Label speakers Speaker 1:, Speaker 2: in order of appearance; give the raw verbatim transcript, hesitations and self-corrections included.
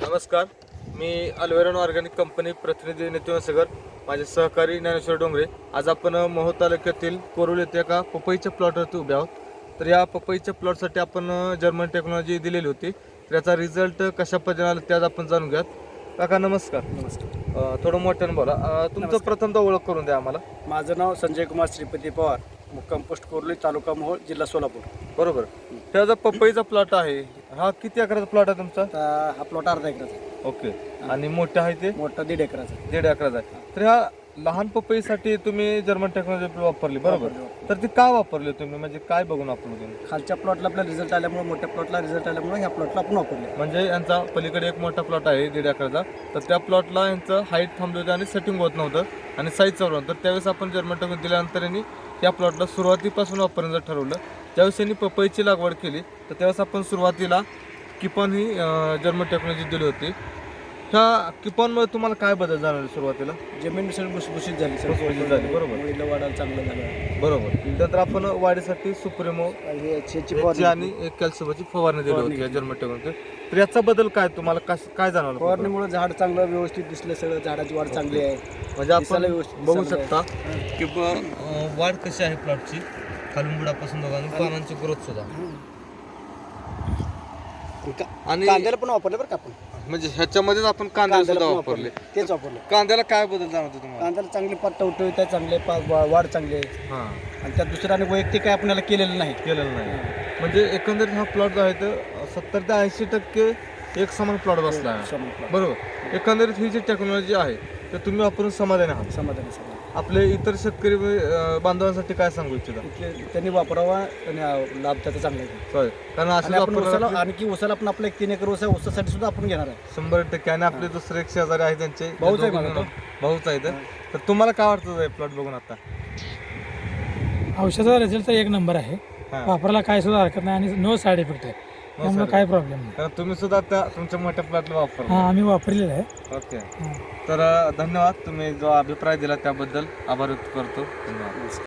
Speaker 1: नमस्कार, मी अल्वेरॉन organic company प्रतिनिधी नितीन वसगर, माझे सहकारी ज्ञानेश्वर डोंगरे. आज आपण मोहोळ तालुक्यातील कोरोळ येथे एका पपईच्या प्लॉटवरती उभे आहोत. तर या पपईच्या प्लॉटसाठी आपण जर्मन टेक्नॉलॉजी दिलेली होती. तर याचा रिझल्ट कशा पद्धतीने आला ते आज आपण जाणून घ्यात. काका नमस्कार.
Speaker 2: नमस्कार.
Speaker 1: अ, थोडं मोठ्यानं बोला. अ, तुमचं प्रथमतः ओळख करून द्या आम्हाला.
Speaker 2: माझं नाव संजय कुमार श्रीपती पवार, मुक्काम पोस्ट कोर्ली, तालुका मोहोळ, जिल्हा सोलापूर.
Speaker 1: बरोबर. त्याचा पपईचा प्लॉट आहे, हा किती एकराचा प्लॉट आहे तुमचा?
Speaker 2: आता हा प्लॉट अर्धा एकराचा आहे.
Speaker 1: ओके. आणि मोठा आहे ते
Speaker 2: मोठा दीड एकराचा आहे.
Speaker 1: दीड एकराचा आहे. तर ह्या लहान पपईसाठी तुम्ही जर्मन टेक्नॉलॉजी वापरली, बरोबर?
Speaker 2: वापरली, वापरली.
Speaker 1: तर ती का वापरली तुम्ही, म्हणजे काय बघून वापरली तुम्ही?
Speaker 2: खालच्या प्लॉटला आपला रिझल्ट आल्यामुळे, मोठ्या प्लॉटला रिझल्ट आल्यामुळे ह्या प्लॉटला आपण वापरले.
Speaker 1: म्हणजे यांचा पलीकडे एक मोठा प्लॉट आहे दीड एकराचा, तर त्या प्लॉटला यांचं हाईट थांबलं होतं आणि सेटिंग होत नव्हतं आणि साईज चालू नव्हतं. तर त्यावेळेस आपण जर्मन टेक्नॉलॉजी दिल्यानंतर यांनी या प्लॉटला सुरुवातीपासून वापरण्याचं ठरवलं. ज्यावेळेस यांनी पपईची लागवड केली तर त्यावेळेस आपण सुरुवातीला किपॉन ही जर्मन टेक्नॉलॉजी दिली होती. ह्या किपॉनमुळे तुम्हाला काय बदल जाणवले सुरुवातीला?
Speaker 2: जमीन सगळी भुसभुशीत झाली,
Speaker 1: भुसभुशीत झाली, बरोबर.
Speaker 2: मुळीला वाढायला चांगलं झालं.
Speaker 1: बरोबर. त्यानंतर आपण वाढीसाठी सुप्रिमो
Speaker 2: आणि याची
Speaker 1: याची आणि एक कॅल्शियमची फवारणी दिली
Speaker 2: फवारणी
Speaker 1: होती या
Speaker 2: केली.
Speaker 1: German technology. तर याचा बदल काय तुम्हाला कस- काय जाणवलं?
Speaker 2: फवारणीमुळे झाड चांगलं व्यवस्थित दिसलं, सगळं झाडाची वाढ चांगली आहे.
Speaker 1: म्हणजे आपण
Speaker 2: दिसायला व्यवस्थित
Speaker 1: बघू
Speaker 2: चांगलं
Speaker 1: शकता की ब- अं, वाढ कशी आहे प्लॉटची, खालून बुडापासून बघा आणि पानांची ग्रोथ सुद्धा. आणि
Speaker 2: कांद्याला पण वापरले बरं का आपण.
Speaker 1: म्हणजे ह्याच्यामध्येच आपण कांद्याला
Speaker 2: कांद्याला
Speaker 1: सुद्धा
Speaker 2: पण
Speaker 1: वापरले.
Speaker 2: तेच वापरलं.
Speaker 1: कांद्याला काय बदल जाणवतो तुम्हाला?
Speaker 2: कांद्याला चांगली पात टवटवीत आहे, चांगले पा- वा- वाढ चांगली आहे.
Speaker 1: हा,
Speaker 2: आणि त्यात दुसऱ्याने वैयक्तिक काय आपल्याला केलेलं नाही.
Speaker 1: केलेलं नाही. म्हणजे एकंदरीत हा प्लॉट जो आहे तर सत्तर ते ऐंशी टक्के एक समान प्लॉट बसला आहे,
Speaker 2: समाधान
Speaker 1: बरोबर. एकंदरीत ही जी टेक्नॉलॉजी आहे तर तुम्ही वापरून समाधानी आहात.
Speaker 2: समाधान समाधान.
Speaker 1: आपले इतर शेतकरी अं, बांधवांसाठी काय सांगू इच्छिता?
Speaker 2: इथले त्यांनी वापरावा आणि लाभ त्याचा चांगला आहे.
Speaker 1: होय, कारण
Speaker 2: आणि आपण
Speaker 1: असे
Speaker 2: उसाला आणखी उसाला पण आपलं एक तीन एकर ऊस आहे, ऊसासाठी सुद्धा आपण घेणार आहे.
Speaker 1: शंभर टक्के. आणि आपले दुसरे एक शेजारी आहे त्यांचे
Speaker 2: भाऊच आहे
Speaker 1: दोघं
Speaker 2: मला तो.
Speaker 1: भाऊच आहेत. तर तुम्हाला काय वाटतं प्लॉट बघून आता?
Speaker 3: औषधाचा रिझल्ट एक नंबर आहे.
Speaker 1: हा.
Speaker 3: वापरायला काय सुद्धा हरकत नाही आणि नो साईड इफेक्ट आहे, त्यामुळे
Speaker 1: side
Speaker 3: काय प्रॉब्लेम नाही.
Speaker 1: कारण तुम्ही सुद्धा त्या तुमच्या मोठ्या प्लॉटला वापरला.
Speaker 3: हा, आम्ही वापरलेलं आहे.
Speaker 1: ओके.
Speaker 3: हा.
Speaker 1: तर अं, धन्यवाद. तुम्ही जो अभिप्राय दिला त्याबद्दल आभार व्यक्त करतो. धन्यवाद.